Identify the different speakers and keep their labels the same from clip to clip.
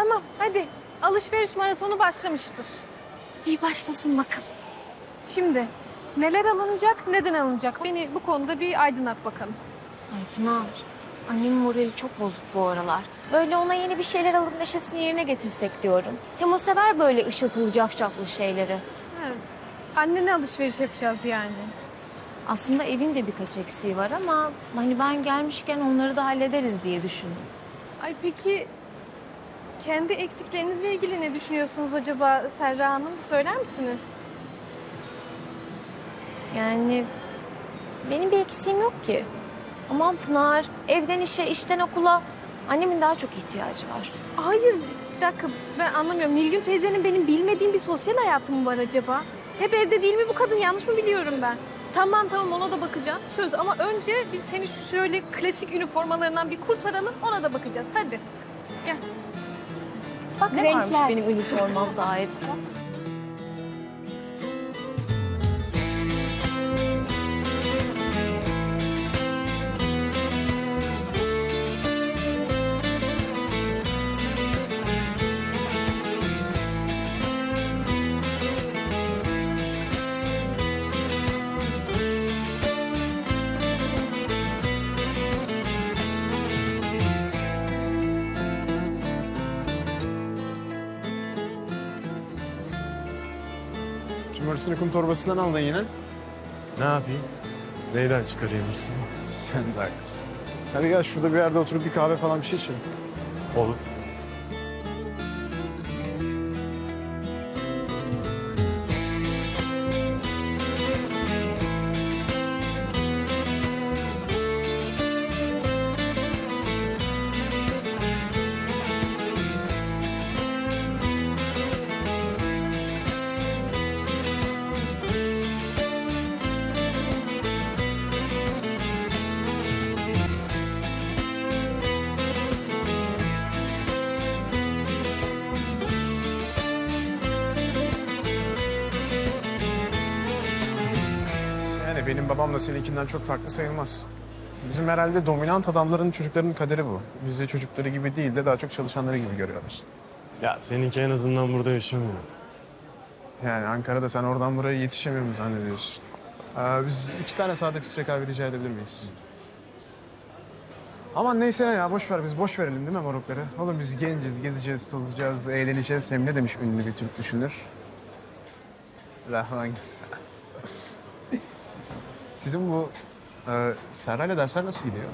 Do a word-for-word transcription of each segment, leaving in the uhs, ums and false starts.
Speaker 1: Tamam hadi. Alışveriş maratonu başlamıştır.
Speaker 2: İyi başlasın bakalım.
Speaker 1: Şimdi neler alınacak, neden alınacak? Beni bu konuda bir aydınlat bakalım.
Speaker 2: Ay Pınar, annemin morali çok bozuk bu aralar. Böyle ona yeni bir şeyler alıp neşesini yerine getirsek diyorum. Hem o sever böyle ışıltılı cafcaflı şeyleri.
Speaker 1: Evet. Annene alışveriş yapacağız yani.
Speaker 2: Aslında evin de birkaç eksiği var ama hani ben gelmişken onları da hallederiz diye düşündüm.
Speaker 1: Ay peki kendi eksiklerinizle ilgili ne düşünüyorsunuz acaba Serra Hanım? Söyler misiniz?
Speaker 2: Yani benim bir eksiğim yok ki. Aman Pınar, evden işe, işten okula annemin daha çok ihtiyacı var.
Speaker 1: Hayır, bir dakika ben anlamıyorum. Nilgün teyzenin benim bilmediğim bir sosyal hayatı mı var acaba? Hep evde değil mi bu kadın? Yanlış mı biliyorum ben? Tamam tamam ona da bakacağız. Söz ama önce biz seni şu şöyle klasik üniformalarından bir kurtaralım. Ona da bakacağız. Hadi gel.
Speaker 2: Bak
Speaker 1: Ne
Speaker 2: ne
Speaker 1: varmış
Speaker 2: varmış benim üniformamda ayrıca.
Speaker 3: Cumarısını kum torbasından aldın yine.
Speaker 4: Ne yapayım? Neyden çıkarayım hırsımı?
Speaker 3: Sen de haklısın. Hadi gel şurada bir yerde oturup bir kahve falan bir şey içelim.
Speaker 4: Olur.
Speaker 3: Yani benim babamla seninkinden çok farklı sayılmaz. Bizim herhalde dominant adamların çocuklarının kaderi bu. Bizi çocukları gibi değil de daha çok çalışanları gibi görüyorlar.
Speaker 4: Ya seninki en azından burada yaşamıyor.
Speaker 3: Yani Ankara'da sen oradan buraya yetişemiyor mu zannediyorsun? Ee, biz iki tane sade filtre kahve rica edebilir miyiz? Aman neyse ne ya boş ver biz boş verelim değil mi morukları? Oğlum biz genciz, gezeceğiz, tozacağız, eğleneceğiz. Hem ne demiş ünlü bir Türk düşünür? Rahman gelsin. Sizin bu e, Serra'yla dersler nasıl gidiyor?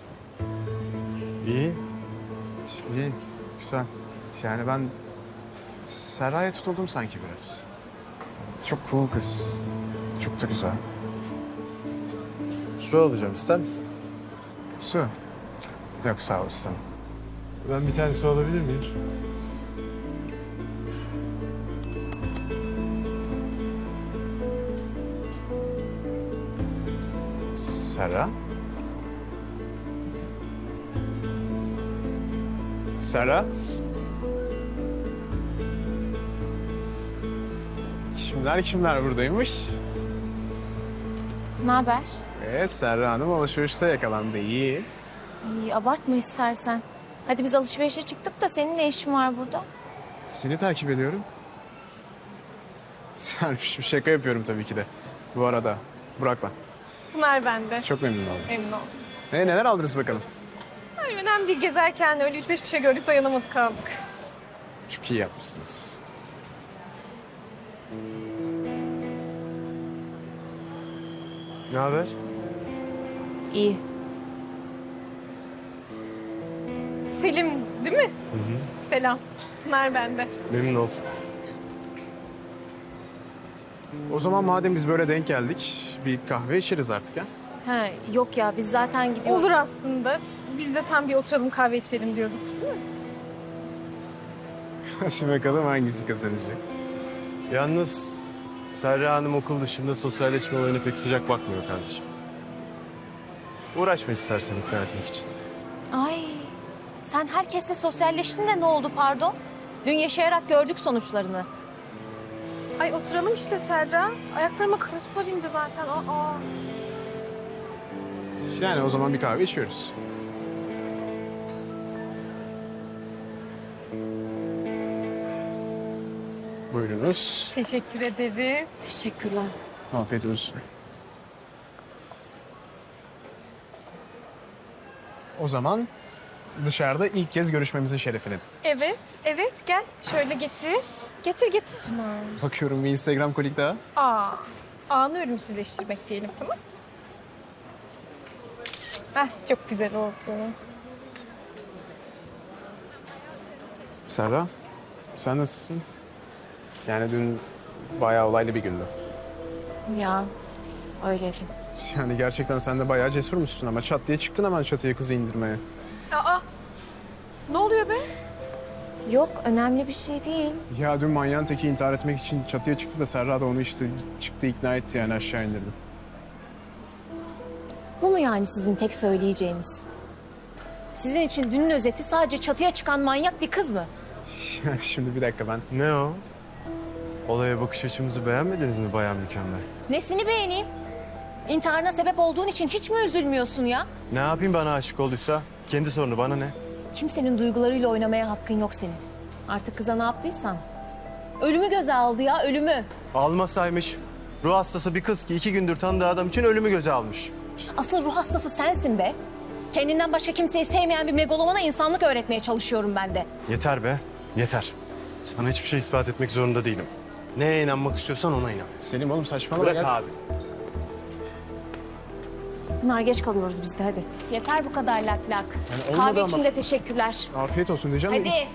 Speaker 4: İyi.
Speaker 3: İyi, güzel. Yani ben Serra'ya tutuldum sanki biraz. Çok cool kız. Çok da güzel.
Speaker 4: Su alacağım, ister misin?
Speaker 3: Su. Cık, yok sağ ol istemem.
Speaker 4: Ben bir tane su alabilir miyim?
Speaker 3: Serra? Serra? Kimler kimler buradaymış?
Speaker 2: Ne haber?
Speaker 3: Evet, Serra Hanım alışverişte yakalandı. İyi.
Speaker 2: İyi, abartma istersen. Hadi biz alışverişe çıktık da senin ne işin var burada?
Speaker 3: Seni takip ediyorum. Sermiş bir şaka yapıyorum tabii ki de. Bu arada Burak ben.
Speaker 1: Pınar bende.
Speaker 3: Çok memnun oldum.
Speaker 1: Memnun oldum.
Speaker 3: E, neler aldınız bakalım?
Speaker 1: Ay, önemli değil gezerken öyle üç beş bir şey gördük dayanamadık kaldık.
Speaker 3: Çok iyi yapmışsınız.
Speaker 4: Ne haber?
Speaker 2: İyi.
Speaker 1: Selim değil mi?
Speaker 4: Hı hı.
Speaker 1: Selam. Pınar bende.
Speaker 4: Memnun oldum.
Speaker 3: O zaman madem biz böyle denk geldik, bir kahve içeriz artık ha.
Speaker 2: Ha, yok ya biz zaten gidiyoruz.
Speaker 1: Olur aslında. Biz de tam bir oturalım kahve içelim diyorduk değil mi?
Speaker 3: Hadi bakalım hangisi kazanacak.
Speaker 4: Yalnız Serra Hanım okul dışında sosyalleşme olayına pek sıcak bakmıyor kardeşim. Uğraşma istersen ikna etmek için.
Speaker 2: Ay, sen herkesle sosyalleştin de ne oldu pardon? Dün yaşayarak gördük sonuçlarını.
Speaker 1: Ay oturalım işte Serra. Ayaklarıma kara sular indi zaten. Aa.
Speaker 3: Yani o zaman bir kahve içiyoruz. Buyurunuz.
Speaker 1: Teşekkür ederiz.
Speaker 2: Teşekkürler.
Speaker 3: Afiyet olsun. O zaman dışarıda ilk kez görüşmemizin şerefine.
Speaker 1: Evet, evet gel. Şöyle getir. Getir, getir.
Speaker 3: Bakıyorum bir Instagram kolik daha.
Speaker 1: Aa, anı ölümsüzleştirmek diyelim, tamam? Heh, çok güzel oldu.
Speaker 3: Serra, sen nasılsın? Yani dün bayağı olaylı bir gündü.
Speaker 2: Ya öyleydi.
Speaker 3: Yani gerçekten sen de bayağı cesurmuşsun ama çat diye çıktın hemen çatıya kızı indirmeye.
Speaker 1: Aa, ne oluyor be?
Speaker 2: Yok önemli bir şey değil.
Speaker 3: Ya dün manyağın teki intihar etmek için çatıya çıktı da Serra da onu işte çıktı ikna etti yani aşağı indirdi.
Speaker 2: Bu mu yani sizin tek söyleyeceğiniz? Sizin için dünün özeti sadece çatıya çıkan manyak bir kız mı?
Speaker 3: Şimdi bir dakika ben.
Speaker 4: Ne o? Olaya bakış açımızı beğenmediniz mi Bayan Mükemmel?
Speaker 2: Nesini beğeneyim? İntiharına sebep olduğun için hiç mi üzülmüyorsun ya?
Speaker 4: Ne yapayım bana aşık olduysa? Kendi sorunu bana ne?
Speaker 2: Kimsenin duygularıyla oynamaya hakkın yok senin. Artık kıza ne yaptıysan. Ölümü göze aldı ya, ölümü.
Speaker 4: Almasaymış. Ruh hastası bir kız ki iki gündür tanıdığı adam için ölümü göze almış.
Speaker 2: Asıl ruh hastası sensin be. Kendinden başka kimseyi sevmeyen bir megalomana insanlık öğretmeye çalışıyorum ben de.
Speaker 4: Yeter be, yeter. Sana hiçbir şey ispat etmek zorunda değilim. Neye inanmak istiyorsan ona inan.
Speaker 3: Selim oğlum saçmalama.
Speaker 4: Bırak
Speaker 3: gel.
Speaker 4: abi.
Speaker 2: Pınar geç kalıyoruz biz de hadi. Yeter bu kadar lak lak.
Speaker 3: Yani olmadı
Speaker 2: Kahve
Speaker 3: ama.
Speaker 2: için de teşekkürler.
Speaker 3: Afiyet olsun diyeceğim. de
Speaker 2: Hadi.
Speaker 3: hiç-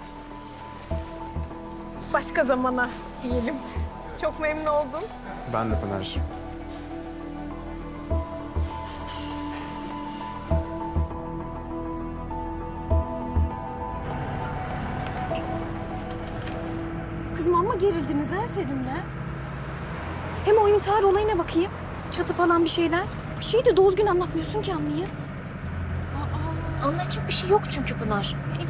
Speaker 1: Başka zamana diyelim. Çok memnun oldum.
Speaker 3: Ben de Pınar'cığım.
Speaker 1: Kızım amma gerildiniz ha Selim'le. Hem o intihar olayına bakayım. Çatı falan bir şeyler. Bir şeyi de doğru gün anlatmıyorsun ki anlayayım.
Speaker 2: Anlatacak bir şey yok çünkü Pınar.
Speaker 1: Ey.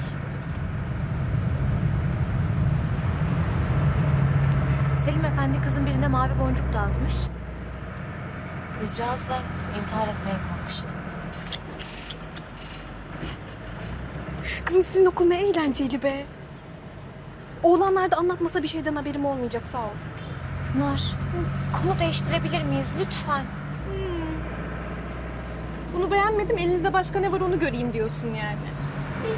Speaker 2: Selim Efendi kızın birine mavi boncuk dağıtmış. Kızcağız da intihar etmeye kalkıştı.
Speaker 1: Kızım sizin okul ne eğlenceli be. Oğlanlar da anlatmasa bir şeyden haberim olmayacak sağ ol.
Speaker 2: Pınar, konu değiştirebilir miyiz lütfen?
Speaker 1: Bunu beğenmedim. Elinizde başka ne var onu göreyim diyorsun yani. İyi.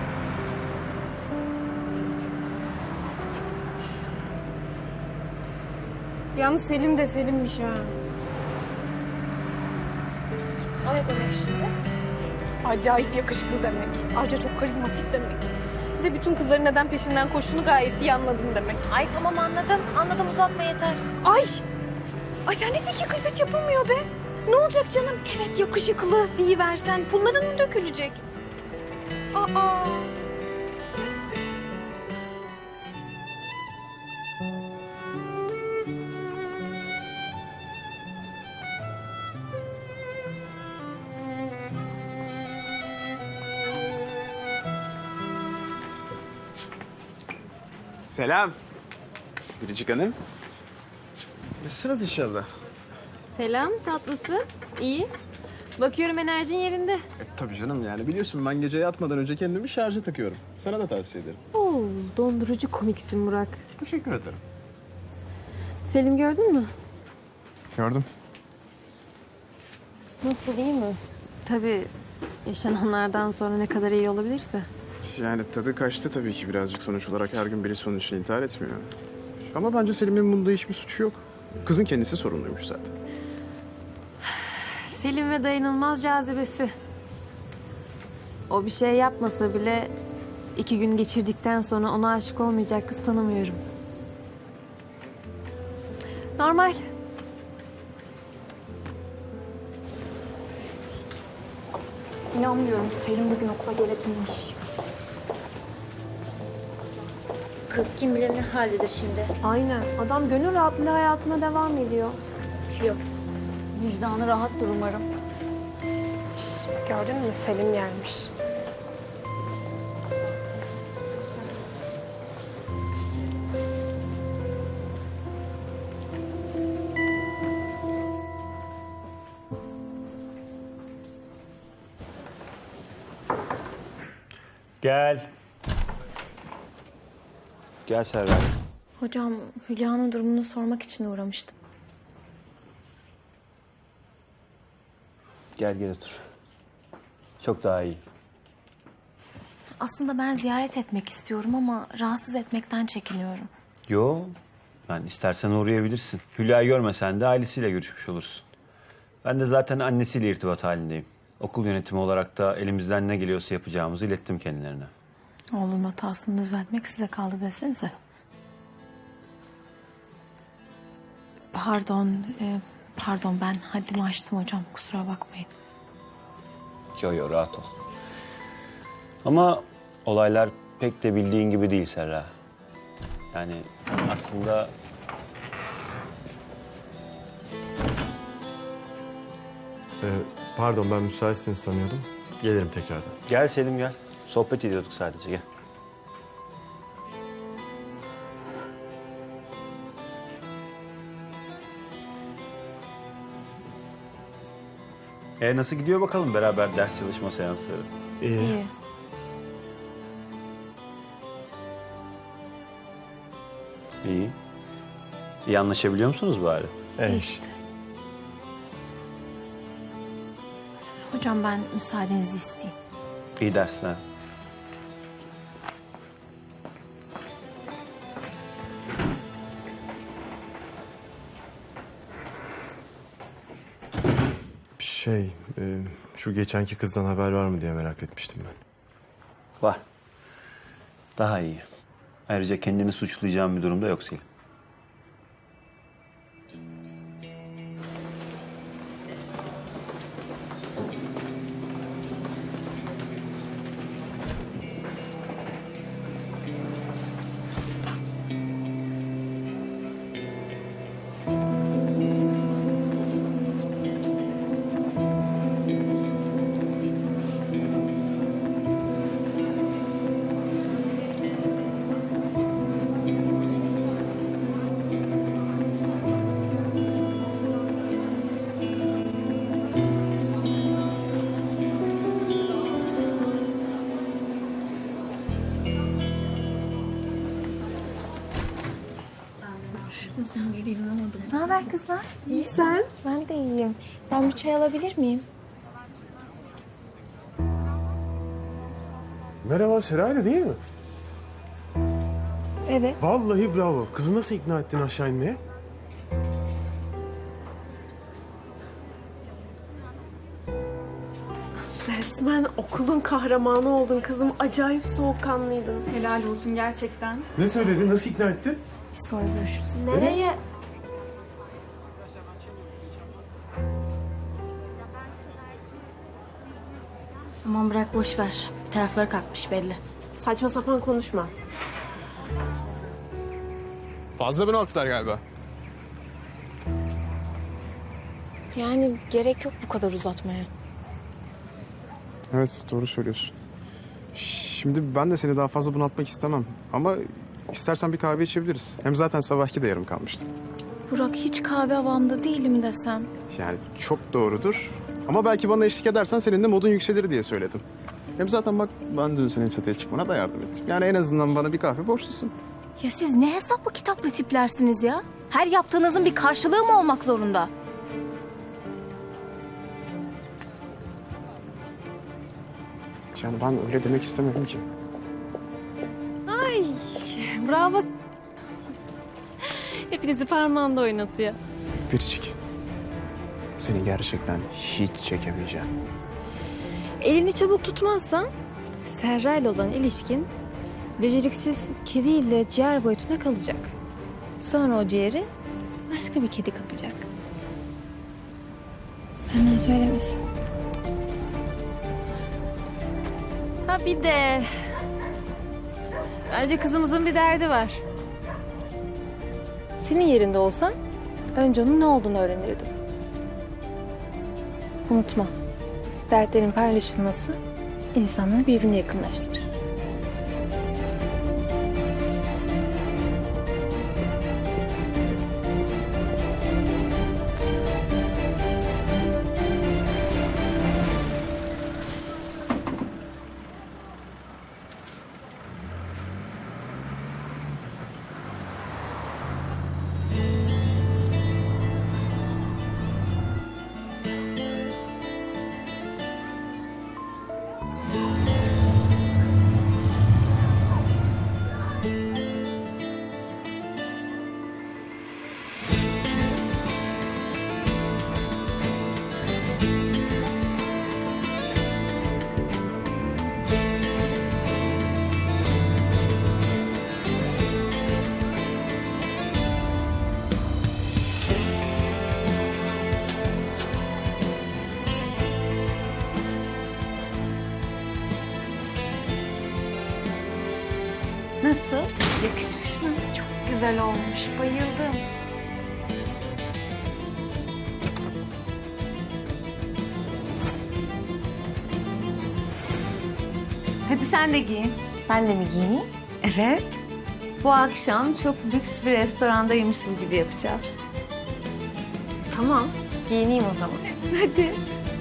Speaker 1: Yalnız Selim de Selim'miş ha.
Speaker 2: O ne demek şimdi?
Speaker 1: Acayip yakışıklı demek. Ayrıca çok karizmatik demek. Bir de bütün kızların neden peşinden koştuğunu gayet iyi anladım demek.
Speaker 2: Ay tamam anladım. Anladım uzatma yeter.
Speaker 1: Ay! Ay sen ne ki gıybet yapılmıyor be. Ne olacak canım? Evet yakışıklı deyiversen pulların mı dökülecek? Aa!
Speaker 3: Selam. Biricik Hanım. Nasılsınız inşallah?
Speaker 5: Selam tatlısı. İyi. Bakıyorum enerjin yerinde.
Speaker 3: E, tabii canım yani biliyorsun ben gece yatmadan önce kendimi şarja takıyorum. Sana da tavsiye ederim.
Speaker 5: Oo, dondurucu komiksin Burak.
Speaker 3: Teşekkür ederim.
Speaker 5: Selim gördün mü?
Speaker 3: Gördüm.
Speaker 5: Nasıl iyi mi? Tabii yaşananlardan sonra ne kadar iyi olabilirse.
Speaker 3: Yani tadı kaçtı tabii ki birazcık sonuç olarak her gün birisi onun için intihar etmiyor. Ama bence Selim'in bunda hiçbir suçu yok. Kızın kendisi sorumluymuş zaten.
Speaker 5: Selim ve dayanılmaz cazibesi. O bir şey yapmasa bile iki gün geçirdikten sonra ona aşık olmayacak kız tanımıyorum. Normal.
Speaker 6: İnanmıyorum. Selim bugün okula gelebilmiş.
Speaker 7: Kız kim bilir ne haldedir şimdi.
Speaker 6: Aynen. Adam gönül rahatlığıyla hayatına devam ediyor.
Speaker 7: Yok. Vicdanı rahattır umarım.
Speaker 1: Gördün mü? Selim gelmiş.
Speaker 8: Gel. Gel Serra.
Speaker 2: Hocam, Hülya'nın durumunu sormak için uğramıştım.
Speaker 8: Gel gel otur. Çok daha iyi.
Speaker 2: Aslında ben ziyaret etmek istiyorum ama rahatsız etmekten çekiniyorum.
Speaker 8: Yo, ben istersen uğrayabilirsin. Hülya'yı görmesen de ailesiyle görüşmüş olursun. Ben de zaten annesiyle irtibat halindeyim. Okul yönetimi olarak da elimizden ne geliyorsa yapacağımızı ilettim kendilerine.
Speaker 2: Oğlunun hatasını düzeltmek size kaldı desenize. Pardon, e, pardon ben haddimi aştım hocam. Kusura bakmayın.
Speaker 8: Yo yo, rahat ol. Ama olaylar pek de bildiğin gibi değil Serra. Yani aslında
Speaker 4: Ee, pardon, ben müsaitsiniz sanıyordum. Gelirim tekrardan.
Speaker 8: gel Selim gel. Sohbet ediyorduk sadece, gel. E nasıl gidiyor bakalım beraber ders çalışma seansları?
Speaker 4: İyi.
Speaker 2: İyi.
Speaker 8: İyi. İyi anlaşabiliyor musunuz bari?
Speaker 4: Evet.
Speaker 2: İyi işte. Hocam ben müsaadenizi isteyeyim.
Speaker 8: İyi dersler.
Speaker 4: Şey, e, şu geçenki kızdan haber var mı diye merak etmiştim ben.
Speaker 8: Var. Daha iyi. Ayrıca kendini suçlayacağım bir durumda yok Selim.
Speaker 2: Ne haber kızlar? İyi sen? Ben de iyiyim. Ben bir çay alabilir miyim?
Speaker 9: Merhaba, Seray'da değil mi?
Speaker 2: Evet.
Speaker 9: Vallahi bravo. Kızı nasıl ikna ettin aşağı inmeye?
Speaker 6: Resmen okulun kahramanı oldun kızım. Acayip soğukkanlıydın.
Speaker 10: Helal olsun gerçekten.
Speaker 9: Ne söyledin? Nasıl ikna ettin?
Speaker 2: Bir sonra görüşürüz.
Speaker 6: Nereye?
Speaker 7: Aman bırak boş ver. Bir tarafları kalkmış belli.
Speaker 6: Saçma sapan konuşma.
Speaker 3: Fazla bunaltılar galiba.
Speaker 2: Yani gerek yok bu kadar uzatmaya.
Speaker 3: Evet, doğru söylüyorsun. Şimdi ben de seni daha fazla bunaltmak istemem. Ama istersen bir kahve içebiliriz. Hem zaten sabahki de yarım kalmıştı.
Speaker 2: Burak hiç kahve havamda değilim desem.
Speaker 3: Yani çok doğrudur. Ama belki bana eşlik edersen senin de modun yükselir diye söyledim. Hem zaten bak ben dün senin çatıya çıkmana da yardım ettim. Yani en azından bana bir kahve borçlusun.
Speaker 2: Ya siz ne hesaplı kitaplı tiplersiniz ya? Her yaptığınızın bir karşılığı mı olmak zorunda?
Speaker 3: Yani ben öyle demek istemedim ki.
Speaker 5: Bravo. Hepinizi parmağında oynatıyor.
Speaker 3: Biricik. Seni gerçekten hiç çekemeyeceğim.
Speaker 5: Elini çabuk tutmazsan Serra ile olan ilişkin beceriksiz kediyle ciğer boyutuna kalacak. Sonra o ciğeri başka bir kedi kapacak. Benden söylemesin. Ha bir de bence kızımızın bir derdi var. Senin yerinde olsam önce onun ne olduğunu öğrenirdim. Unutma, dertlerin paylaşılması insanları birbirine yakınlaştırır.
Speaker 2: Nasıl? Yakışmış mı? Çok güzel olmuş. Bayıldım.
Speaker 10: Hadi sen de giyin.
Speaker 2: Ben de mi giyineyim?
Speaker 10: Evet. Bu akşam çok lüks bir restorandaymışız gibi yapacağız.
Speaker 2: Tamam. Giyineyim o zaman.
Speaker 10: Hadi.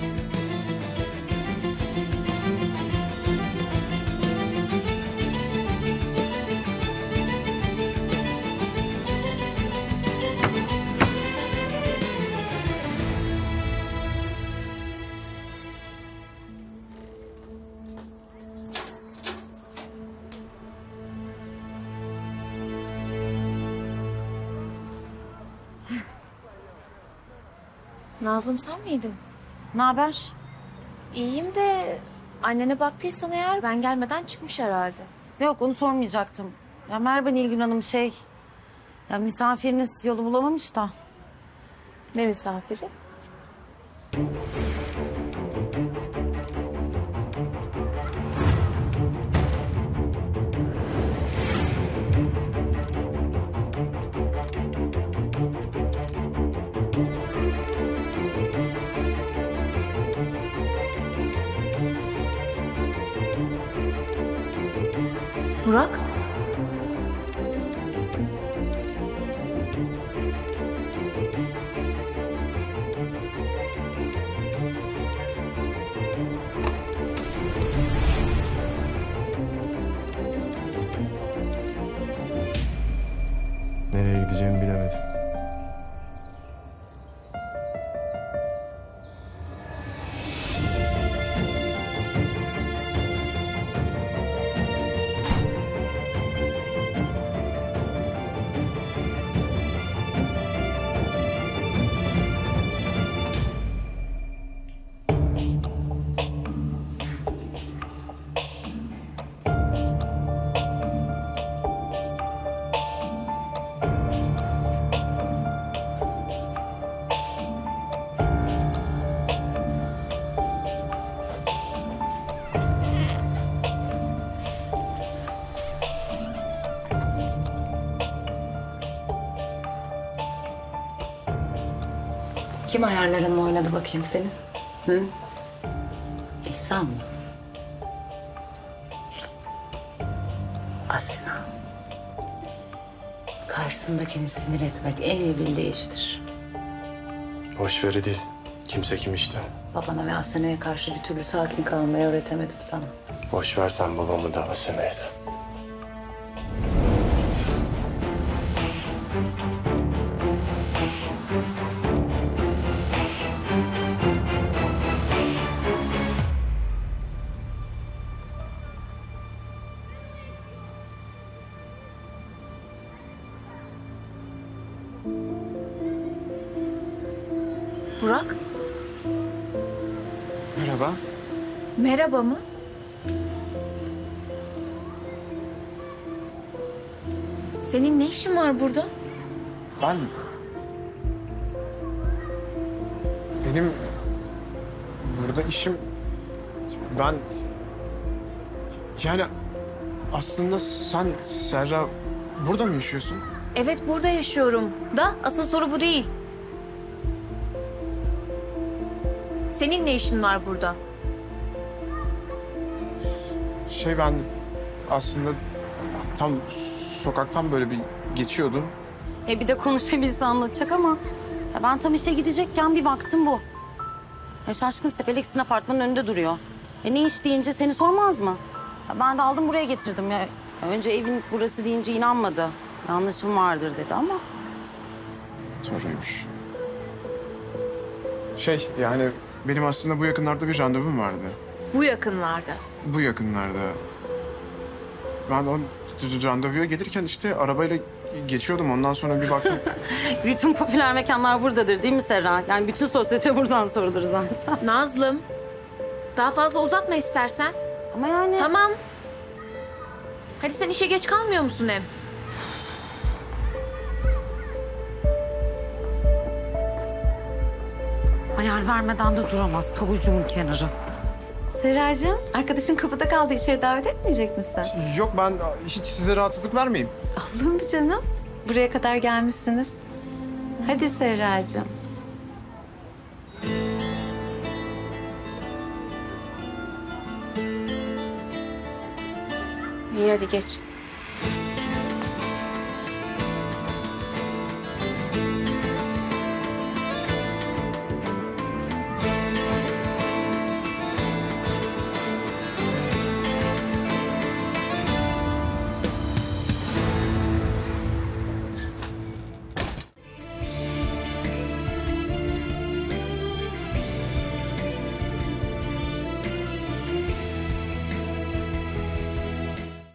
Speaker 2: Nazlım sen miydin?
Speaker 7: Ne haber?
Speaker 2: İyiyim de annene baktıysan eğer ben gelmeden çıkmış herhalde.
Speaker 7: Yok onu sormayacaktım. Ya merhaba Nilgün Hanım şey... Ya misafiriniz yolu bulamamış da.
Speaker 2: Ne misafiri? Burak?
Speaker 4: Nereye gideceğimi bilemedim.
Speaker 10: Kim ayarlarınla oynadı bakayım senin? Hı? İhsan mı? Asena. Karşısındakini sinir etmek en iyi bildiği iştir.
Speaker 4: Boş ver Edil. Kimse kim işte.
Speaker 10: Babana ve Asena'ya karşı bir türlü sakin kalmayı öğretemedim sana.
Speaker 4: Boş ver sen babamı da Asena'yı da.
Speaker 2: Burak?
Speaker 3: Merhaba.
Speaker 2: Merhaba mı? Senin ne işin var burada?
Speaker 3: Ben... Benim burada işim... Ben... Yani aslında sen Serra burada mı yaşıyorsun?
Speaker 2: Evet burada yaşıyorum. Da asıl soru bu değil. Senin ne işin var burada?
Speaker 3: Şey ben aslında tam sokaktan böyle bir geçiyordum.
Speaker 7: E bir de konuşabilse anlatacak ama... Ya ben tam işe gidecekken bir baktım bu. Ya şaşkın Sepelex'in apartmanın önünde duruyor. E ne iş deyince seni sormaz mı? Ya ben de aldım buraya getirdim ya. Ya önce evin burası deyince inanmadı. Yanlışım vardır dedi ama...
Speaker 3: Doğruymuş. Şey yani benim aslında bu yakınlarda bir randevum vardı.
Speaker 2: Bu yakınlarda.
Speaker 3: Bu yakınlarda. Ben o randevuya gelirken işte arabayla geçiyordum. Ondan sonra bir baktım.
Speaker 7: Bütün popüler mekanlar buradadır değil mi Serra? Yani bütün sosyete buradan sorulur zaten.
Speaker 2: Nazlım. Daha fazla uzatma istersen.
Speaker 7: Ama yani...
Speaker 2: Tamam. Hadi sen işe geç kalmıyor musun hem?
Speaker 7: Ayar vermeden de duramaz pabucumun kenarı.
Speaker 10: Serracığım, arkadaşın kapıda kaldı. İçeri davet etmeyecek misin?
Speaker 3: Yok ben hiç size rahatsızlık vermeyeyim.
Speaker 10: Olur mu canım? Buraya kadar gelmişsiniz. Hadi Serracığım.
Speaker 2: İyi hadi geç.